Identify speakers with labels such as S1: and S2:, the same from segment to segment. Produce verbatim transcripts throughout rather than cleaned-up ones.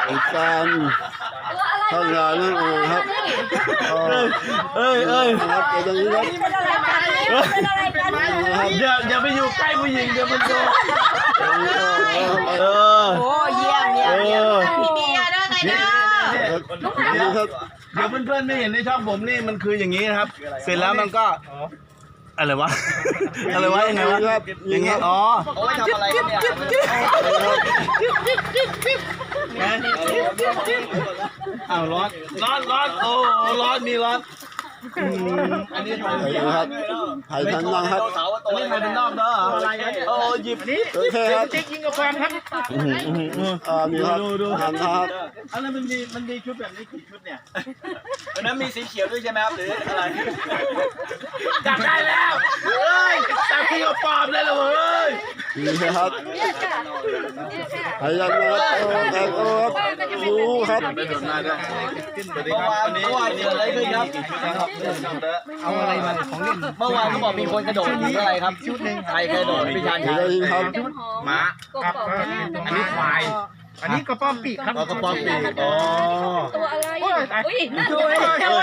S1: การทำงานนั่นเองครับเอ้ยเอ้ยครับเดี๋ยวนี้ครับ
S2: เป็นอะไรกันเป็นอะไรกัน
S3: อย่าอย่าไปอยู่ใกล้ผู้หญิงเดี๋ยวมันโดนเออ
S2: โอ้เยี่ยมเยี่ยมเยี่ยมมีเมียด้วยไงเนาะ
S3: เดี๋ยวเดี๋ยวเพื่อนๆไม่เห็นในช่องผมนี่มันคืออย่างนี้นะครับ เสร็จแล้วมันก็อะไรวะอะไรวะยังไงวะอย่างเงี้ยอ๋อเอาไว้ทำอะไรเนี่ยอ้าวร้อนร้อนร้อนโอ้ร้อนมีร้อนอันนี้ถ่าย
S1: ครับถ่ายทันยังครับ
S3: อันนี้ถ่ายเป็นนอกเด้อโอ้หยิบนี่
S1: โอเคครับ
S3: เจ๊กยิงกับแฟนครับ
S1: อ่ามีครับทันครับ
S3: อะไรมันมีมันมีชุดแบบนี้กี่ชุดเนี่ยวันนั้นมีสีเขียวด้วยใช่ไหมครับหรืออะไรจับได้แล้วเฮ้ยจับที่กับปอบเลยเหรอเฮ้ย
S1: นี่ครับถ่ายยังครับโอ้แต่โอ้รู้ครับ
S3: สวัสดีครับวันนี้วันนี้อะไรขึ้นครับเอาอะไรมาของเล่นเมื่อวานเขาบอกมีคนกระโดดหนีอะไรครับชุดหนึ่งใครกระโดดพิจารณ์ครับม้าอันนี้ควายอันนี้กระป๋อมปีกครับกระป๋อมปีกอ๋อ
S2: ตัวอะไรอุ้ยนั่น
S3: ด้วยด้วย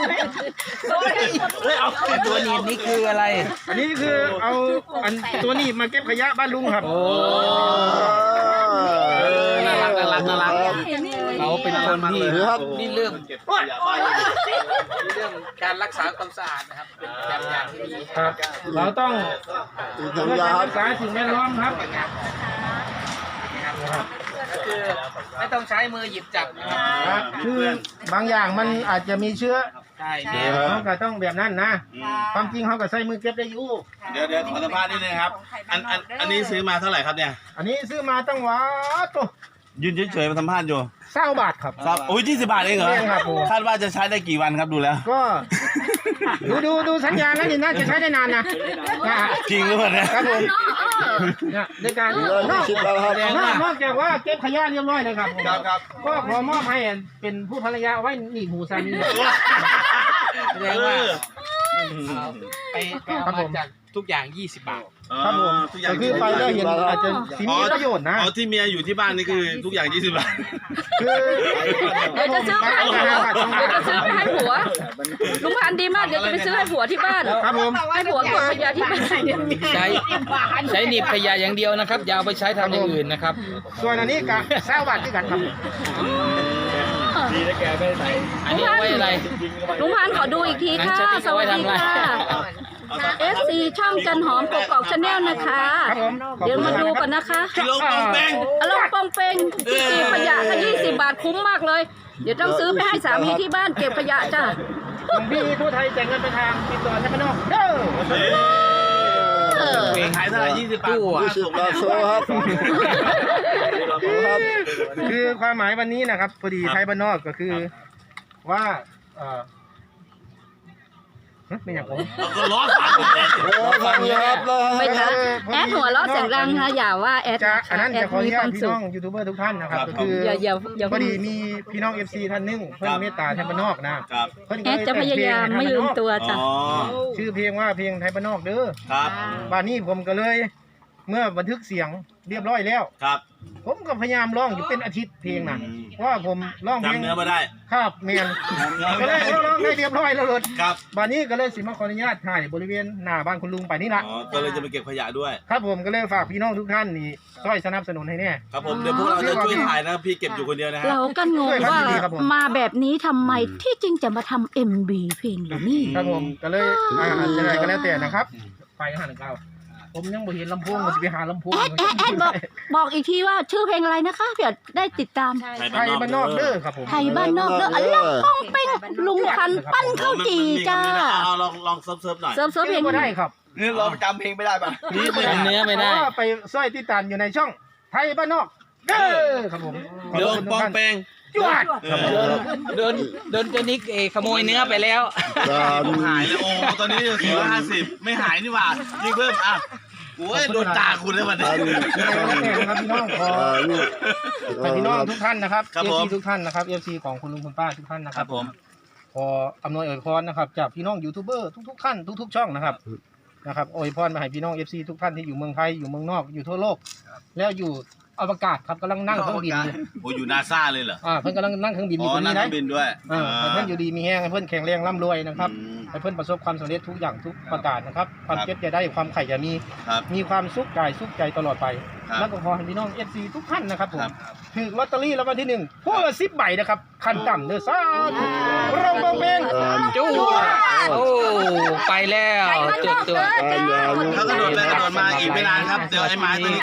S3: เอาตัวนี้นี่คืออะไร
S4: อันนี้คือเอาอันตัวนี้มาเก็บขยะบ้านลุงครับโอ้
S3: น่ารักน่ารักน่ารักเขาเป็นคนที่นี่เรื่องเก็บขยะบ้านเรื่องการรักษาความสะอาดนะครับเป็นแบบอย่างที่ดี
S4: ครับเราต้องเพื่อการรักษาสิ่งแวดล้อมครับ
S3: ก็คือไม่ต้องใช้มือหยิบจับนะครับ
S4: คือบางอย่างมันอาจจะมีเชื้อ
S3: ใช่
S4: เขาก็ต้องแบบนั้นนะความจริงเขาก็ใส่มือเก็บได้อยู่
S3: เดี๋ยวเดี๋ยวขอสัมภาษณ์นิดนึงครับอันอันอันนี้ซื้อมาเท่าไหร่ครับเนี่ย
S4: อันนี้ซื้อมาตั้งว้าตัว
S3: ยืนเฉยๆมาสัมภาษณ์อยู่
S4: เศร้าบาทครับ
S3: ครับโอ้ยยี่สิบบาทเองเหรอคาดว่าจะใช้ได้กี่วันครับดูแล้ว
S4: ก็ดูดูดูสัญญาแล้วนี่น่าจะใช้ได้นานนะ
S3: จริงหรือเปล่าเนี่ย
S4: ครับผมเนี่ยในการนอกจากว่าเก็บขยะเรียบร้อยเลยครับก็ขอมอบให้เป็นผู้ภรรยาไว้หนีหูสามี
S3: แสดงว่า
S5: ไปเอามาจากทุกอย่างยี่สิบบาท
S4: ครับผมก็คือไปแล้วเห็นอาจจะมีประโยชน์นะ
S3: อ๋อที่เมียอยู่ที่บ้านนี่คือทุกอย่างยี่สิบบาท
S4: คือ
S2: เดี๋ยวจะซื้อให้เดี๋ยวจะซื้อให้ผัวลุงพันดีมากเดี๋ยวจะไปซื้อให้ผัวที่บ้าน
S4: ครับผม
S2: ให้ผัวเก็บขยะที่บ้าน
S5: ใช้ใช้หนีบขยะอย่างเดียวนะครับอย่าเอาไปใช้ทำอย่างอื่นนะครับ
S4: ส่วนอันนี้กะแซวบาทที่กันครับ
S3: ดีนะแกไม่ใส่
S5: อันนี้ไว้อะไร
S2: ลุงพันขอดูอีกทีค่ะสวัสดีค่ะเอสซีช่องจันหอมกกอกชาแนลนะคะเดี๋ยวมาดูก่อนนะคะ
S3: ลงปองเป้ง
S2: ลงปองเป้งที่เก็บขยะก็ยี่สิบบาทคุ้มมากเลยเดี๋ยวต้องซื้อไปให้สามีที่บ้านเก็บขยะจ้ะ
S4: ของพี่ทั่วไทยแต่งเงินไปทางติดต่อใช่ไหมน้องเด้
S3: อขายเท่าไหร่ยี่สิบบาท
S1: ยี่สิบบาทโซ่ครับ
S4: คือความหมายวันนี้นะครับพอดีไทยบ้านนอกก็คือว่าไม่อยากผม
S3: ก็ล้อฟัง
S1: ฟังครับ
S2: ไปนะแอดหัวล้อเสียงดังค่ะอย่าว่าแอด
S4: อันนั้นจะขออนุญาตพี่น้องยูทูบเบอร์ทุกท่านนะครับก็คือ
S2: อย่าอย่าอย่า
S4: พอดีมีพี่น้องเอฟซีท่านนึงเพิ่นเมตตาไทยบ้านนอกนะ
S2: แอดจะพยายามไม่ลืมตัวจ้ะ
S4: ชื่อเพลงว่าเพลงไทยบ้านนอกเด้อ
S3: ครับ
S4: บ้านนี้ผมก็เลยเมื่อบันทึกเสียงเรียบร้อยแล้ว
S3: ครับ
S4: ผมก็พยายามร้องอยู่เป็นอาทิตย์เพลงนั้นว่าผมร้องเพลง
S3: จำเนื้อมาได้
S4: ครับเมียนก็เลยร้องได้เรียบร้อยแล้วเลย
S3: ครับ
S4: บ้านนี้ก็เลยสิมาขออนุญาตถ่ายบริเวณหน้าบ้านคุณลุงไปนี่ละ
S3: อ๋อก็เลยจะไปเก็บขยะด้วย
S4: ครับผมก็เลยฝากพี่น้องทุกท่านนี่ช่วยสนับสนุนให้แน่
S3: ครับผมเดี๋ยวพวกเราจะช่วยถ่ายนะพี่เก็บอยู่คนเดียวนะฮะ
S2: เราก็งงว่ามาแบบนี้ทำไมที่จริงจะมาทำเอ็มบีเพลงหรือนี่
S4: ครับผมก็เลยอ่าอะไรก็แล้วแต่นะครับไปห้าหนึ่งเก้าผมยังบ่เห็นลำโพงมันจะไปหาลำโพง
S2: แอดแอดแอดบอกบอกอีกทีว่าชื่อเพลงอะไรนะคะเผื่อได้ติดตาม
S4: ไทยบ้านนอกเด้อครับผม
S2: ไทยบ้านนอกเด้ออันลังป้องเป้งลุงพันปั้นข้าวจีจ้า
S3: เอาลองลองเซิร์ฟเซิร์ฟหน่อย
S4: เซิร์ฟเซิร์ฟเพลงก็ได้ครับ
S3: นี่เราจำเพลงไม่ได้ป่ะ
S5: นี่จำเนื้อไม่ได้
S4: ไปสร้อยติดตามอยู่ในช่องไทยบ้านนอกเด้อครับผม
S3: ลงป้องเป้ง
S4: จวด
S5: โดนโดนเจนิกเอขโมยเนื้อไปแล้ว
S3: หายแล้วโอ้ตอนนี้อยู่สี่ร้อยห้าสิบไม่หายนี่หว่ายิ่งเพิ่มอ่ะโอ้ยโดนด่าคุณเลยวันนี้
S4: ครับพี่น้องขอไปพี่น้องทุกท่านนะครับเอฟซีทุกท่านนะครับเอฟซีของคุณลุงคุณป้าทุกท่านนะครับ
S3: ผม
S4: ขออำนวยอวยพรนะครับจากพี่น้องยูทูบเบอร์ทุกๆท่านทุกๆช่องนะครับนะครับอวยพรมาให้พี่น้องเอฟซีทุกท่านที่อยู่เมืองไทยอยู่เมืองนอกอยู่ทั่วโลกแล้วอยู่อวกาศครับกำลังนั่งเครื่องบิน
S6: โอ้อยู่นาซาเลยเหรอ
S4: อ่าเพิ่นกำลังนั่งเครื่องบินอ
S6: อ๋
S4: ยู่
S6: อ
S4: ตรง
S6: นั่ง
S4: นี้
S6: เค
S4: นะ
S6: รื่องบินด้วย
S4: เออให้เพิ่นอยู่ดีมีแห้งให้เพิ่นแข็งแรงร่ำรวยนะครับให้เพิ่นประสบความสำเร็จทุกอย่างทุกประการนะครับความเจ็บจะได้ความไข่จะมี
S6: ครับ
S4: มีความสุขกายสุขใจตลอดไป
S6: ครับ
S4: แล้วก็ขอให้พี่น้องเอฟซีทุกท่านนะครับผม
S6: ครับ
S4: ถือลอตเตอรี่รางวัลที่หนึ่งพวกละสิบใบนะครับขั้นต่ำเด้อซ่าธุรองเบงเบง
S5: จู้โอ้ไปแล้ว
S2: ไปมัน
S5: จุ
S2: น
S5: ด
S2: อก
S5: ตัว
S2: เลยจ้า
S6: เขากระโดดไปกระโดดมาอีกไม่นานครับ เดี๋ยวไอ้ไม้ตัวนี้